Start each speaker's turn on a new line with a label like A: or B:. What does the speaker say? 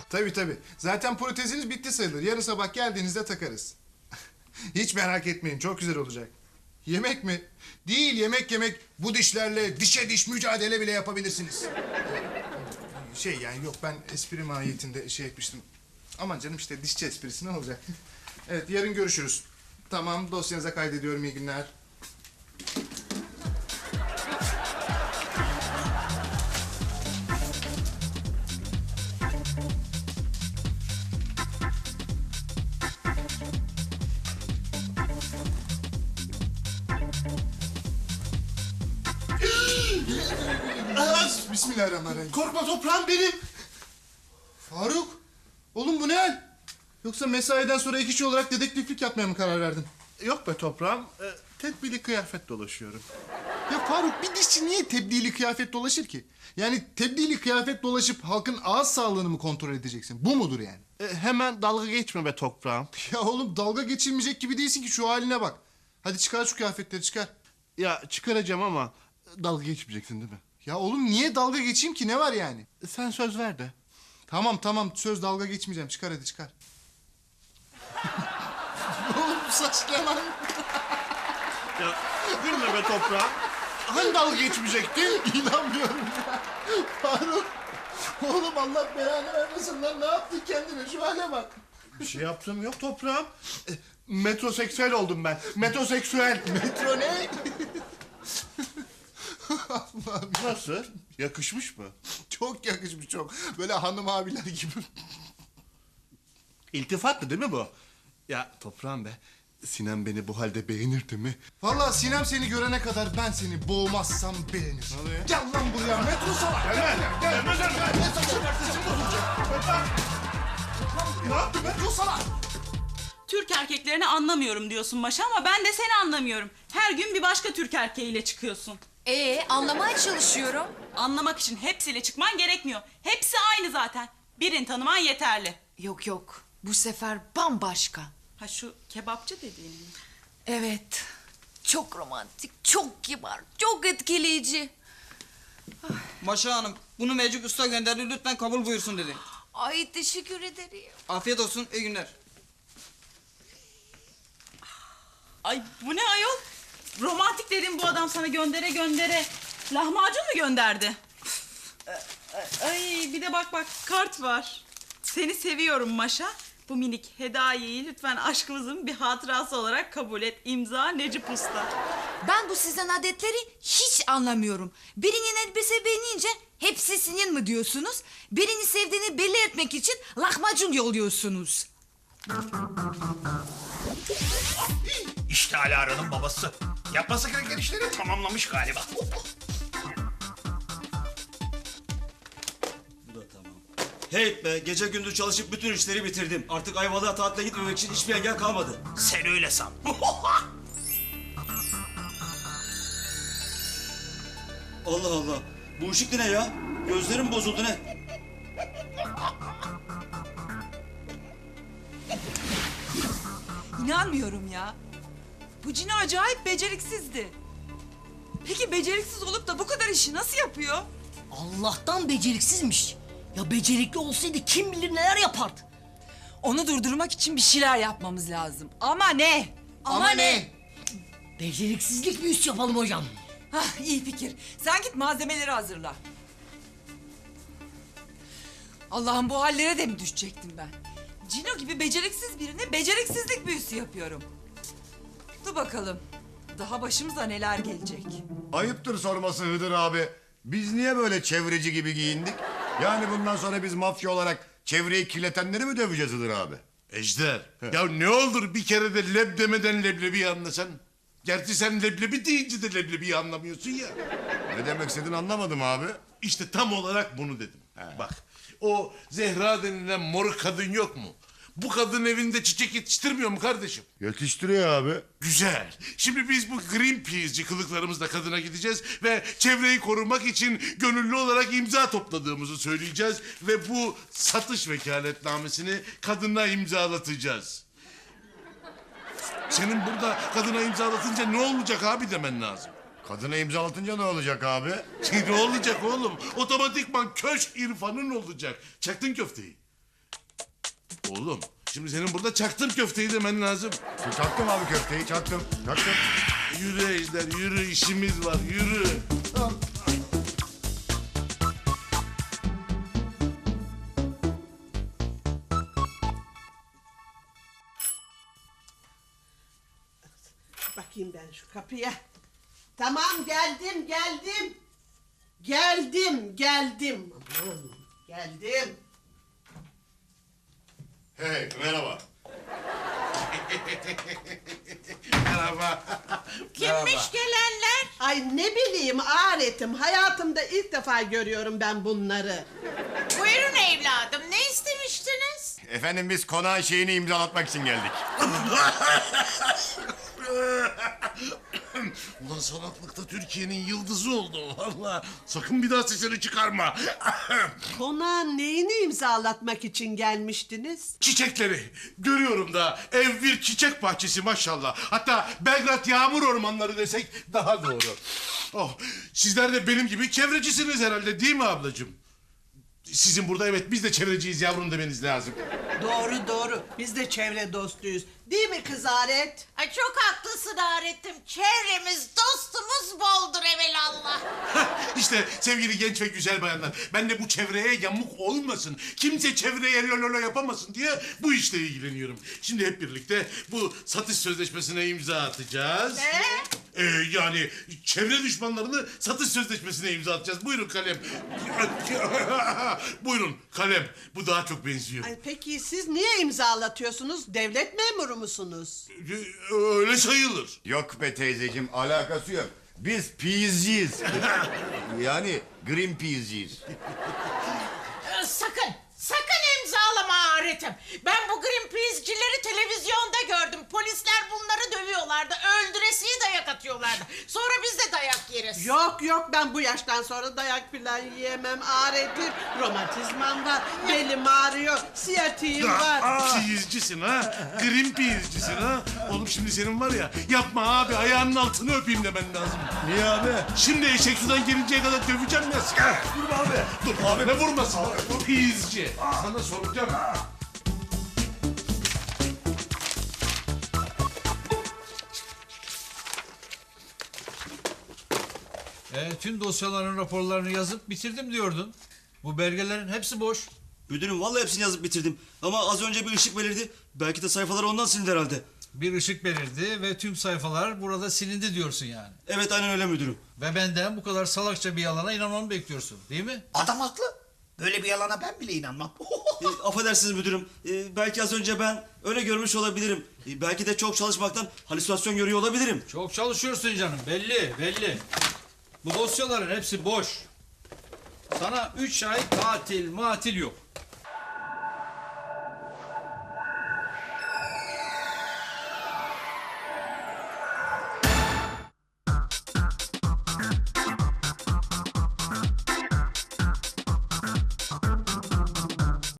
A: Tabii. Zaten proteziniz bitti sayılır. Yarın sabah geldiğinizde takarız. Hiç merak etmeyin, çok güzel olacak. Yemek mi? Değil, yemek. Bu dişlerle dişe diş mücadele bile yapabilirsiniz. Yani yok, ben espri mahiyetinde şey etmiştim. Aman canım, işte dişçi esprisi ne olacak? Evet, yarın görüşürüz. Tamam, dosyanıza kaydediyorum, iyi günler. Bismillahirrahmanirrahim.
B: Korkma toprağım benim.
A: Faruk, oğlum bu ne hal? Yoksa mesaiden sonra ek işçi olarak dedektiflik yapmaya mı karar verdin?
B: Yok be toprağım. Tedbirli kıyafet dolaşıyorum.
A: Ya Faruk, bir dişçi niye tebdili kıyafet dolaşır ki? Yani tebdili kıyafet dolaşıp halkın ağız sağlığını mı kontrol edeceksin? Bu mudur yani?
B: Hemen dalga geçme be toprağım.
A: Ya oğlum, dalga geçilmeyecek gibi değilsin ki, şu haline bak. Hadi çıkar şu kıyafetleri, çıkar.
B: Ya çıkaracağım ama dalga geçmeyeceksin değil mi?
A: Ya oğlum, niye dalga geçeyim ki, ne var yani?
B: Sen söz ver de.
A: Tamam, söz, dalga geçmeyeceğim, çıkar hadi, çıkar. Oğlum bu saç ne lan?
B: Ya gülme be toprağım. Hani dalga geçmeyecektin?
A: İnanmıyorum ya. Faruk. Oğlum, Allah belanı vermesin lan, ne yaptın kendine, şu hale bak.
B: Bir şey yaptığım yok toprağım. Metroseksüel oldum ben. Metroseksüel.
A: Metro ne? Allah'ım.
B: Nasıl? Yakışmış mı?
A: Çok yakışmış, çok. Böyle hanım abiler gibi.
B: İltifatlı değil mi bu? Ya toprağım be. Sinem beni bu halde beğenir değil mi?
A: Vallahi Sinem seni görene kadar ben seni boğmazsam beğenir.
B: Ne oluyor?
A: Gel lan buraya, metro salak. Gel. Ne yaptın metro salak?
C: Türk erkeklerini anlamıyorum diyorsun Maşa ama ben de seni anlamıyorum. Her gün bir başka Türk erkeğiyle çıkıyorsun.
D: Anlamaya çalışıyorum.
C: Anlamak için hepsiyle çıkman gerekmiyor. Hepsi aynı zaten. Birini tanıman yeterli.
D: Yok. Bu sefer bambaşka.
C: Ha, şu kebapçı dediğin mi?
D: Evet. Çok romantik, çok kibar, çok etkileyici.
E: Maşa Hanım, bunu Mecik Usta gönderdi, lütfen kabul buyursun dedi.
D: Ay teşekkür ederim.
E: Afiyet olsun, iyi günler.
C: Ay bu ne ayol? Romantik dedim, bu adam sana göndere lahmacun mu gönderdi? Ay bir de bak kart var. Seni seviyorum Maşa. Bu minik hediyeyi lütfen aşkımızın bir hatırası olarak kabul et. İmza Necip Usta.
D: Ben bu sizin adetleri hiç anlamıyorum. Birinin elbise beğenince hepsi senin mi diyorsunuz? Birini sevdiğini belli etmek için lahmacun yolluyorsunuz.
F: İşte Alara'nın babası. Yapması gereken işleri tamamlamış galiba.
G: Bu da tamam. Hey be, gece gündüz çalışıp bütün işleri bitirdim. Artık Ayvalık'a tatile gitmemek için hiçbir engel kalmadı.
F: Sen öyle san.
G: Allah Allah, bu ışık ne ya? Gözlerim bozuldu ne?
H: İnanmıyorum ya. Bu Cino acayip beceriksizdi. Peki beceriksiz olup da bu kadar işi nasıl yapıyor?
I: Allah'tan beceriksizmiş. Ya becerikli olsaydı kim bilir neler yapardı.
H: Onu durdurmak için bir şeyler yapmamız lazım. Ama ne?
A: Ama ne?
I: Beceriksizlik büyüsü yapalım hocam.
H: Hah, iyi fikir. Sen git malzemeleri hazırla. Allah'ım, bu hallere de mi düşecektim ben? Cino gibi beceriksiz birine beceriksizlik büyüsü yapıyorum. Dur bakalım. Daha başımıza neler gelecek.
J: Ayıptır sorması Hıdır abi. Biz niye böyle çevreci gibi giyindik? Yani bundan sonra biz mafya olarak çevreyi kirletenleri mi döveceğiz Hıdır abi?
B: Ejder, ya ne olur bir kere de leb demeden leblebiyi anlasan. Gerçi sen leblebi deyince de leblebiyi anlamıyorsun ya.
J: Ne demek istediğini anlamadım abi.
B: İşte tam olarak bunu dedim. Bak, o Zehra denilen mor kadın yok mu? Bu kadın evinde çiçek yetiştirmiyor mu kardeşim?
J: Yetiştiriyor abi.
B: Güzel. Şimdi biz bu Greenpeace'ci kılıklarımızla kadına gideceğiz ve çevreyi korumak için gönüllü olarak imza topladığımızı söyleyeceğiz ve bu satış vekaletnamesini kadına imzalatacağız. Senin burada kadına imzalatınca ne olacak abi demen lazım.
J: Kadına imzalatınca ne olacak abi?
B: Ne olacak oğlum? Otomatikman köşk irfanın olacak. Çaktın köfteyi. Oğlum şimdi senin burada çaktım köfteyi demen lazım.
J: Çaktım abi köfteyi çaktım. Çaktım.
B: Yürü Ejder yürü, işimiz var, yürü.
K: Bakayım ben şu kapıya. Tamam geldim. Geldim. Aman, geldim.
J: Hey merhaba.
B: Merhaba.
K: Kimmiş gelenler? Ay ne bileyim aretim. Hayatımda ilk defa görüyorum ben bunları.
L: Buyurun evladım, ne istemiştiniz?
J: Efendim biz konağın şeyini imzalatmak için geldik.
B: Ulan salaklıkta Türkiye'nin yıldızı oldu valla. Sakın bir daha sesini çıkarma.
K: Konağın neyini imzalatmak için gelmiştiniz?
B: Çiçekleri görüyorum da ev bir çiçek bahçesi maşallah. Hatta Belgrad yağmur ormanları desek daha doğru. Oh, sizler de benim gibi çevrecisiniz herhalde değil mi ablacığım? Sizin burada evet biz de çevreciyiz yavrum demeniz lazım.
K: Doğru. Biz de çevre dostuyuz. Değil mi kız Aret?
L: Ay çok haklısın Aret'im. Çevremiz, dostumuz boldur evelallah.
B: İşte sevgili genç ve güzel bayanlar, ben de bu çevreye yamuk olmasın, kimse çevreye lololo yapamasın diye bu işle ilgileniyorum. Şimdi hep birlikte bu satış sözleşmesine imza atacağız.
L: Ne?
B: Yani çevre düşmanlarını satış sözleşmesine imza atacağız. Buyurun kalem. Buyurun kalem. Bu daha çok benziyor.
K: Ay, peki siz niye imzalatıyorsunuz? Devlet memuru musunuz?
B: Öyle sayılır.
J: Yok be teyzeciğim alakası yok. Biz peas'ciyiz. Yani Greenpeace'ciyiz.
L: Sakın imzalama Aret'im. Ben bu Greenpeace'cileri televizyonda gördüm. Polisler bunları dövüyorlardı. Öldüresiye dayak atıyorlardı. Sonra biz de dayak yeriz.
K: Yok ben bu yaştan sonra dayak falan yiyemem Aret'im. Romatizmam var, belim ağrıyor, siyatiğim var.
B: Peace'cisin ha. Greenpeace'cisin ha. Oğlum şimdi senin var ya yapma abi ayağının altını öpeyim demen lazım.
J: Niye abi?
B: Şimdi eşek sudan gelinceye kadar döveceğim ya.
J: Dur abi.
B: Dur abi ne vurmasın. Peace'ci. Sana soracağım.
M: Tüm dosyaların raporlarını yazıp bitirdim diyordun. Bu belgelerin hepsi boş.
G: Müdürüm vallahi hepsini yazıp bitirdim. Ama az önce bir ışık belirdi. Belki de sayfaları ondan silindi herhalde.
M: Bir ışık belirdi ve tüm sayfalar burada silindi diyorsun yani.
G: Evet aynen öyle müdürüm.
M: Ve benden bu kadar salakça bir yalana inanmamı bekliyorsun değil mi?
F: Adam haklı. Böyle bir yalana ben bile inanmam.
G: Affedersiniz müdürüm. Belki az önce ben öyle görmüş olabilirim. Belki de çok çalışmaktan halüsinasyon görüyor olabilirim.
M: Çok çalışıyorsun canım belli. Bu dosyaların hepsi boş. Sana 3 ay tatil yok.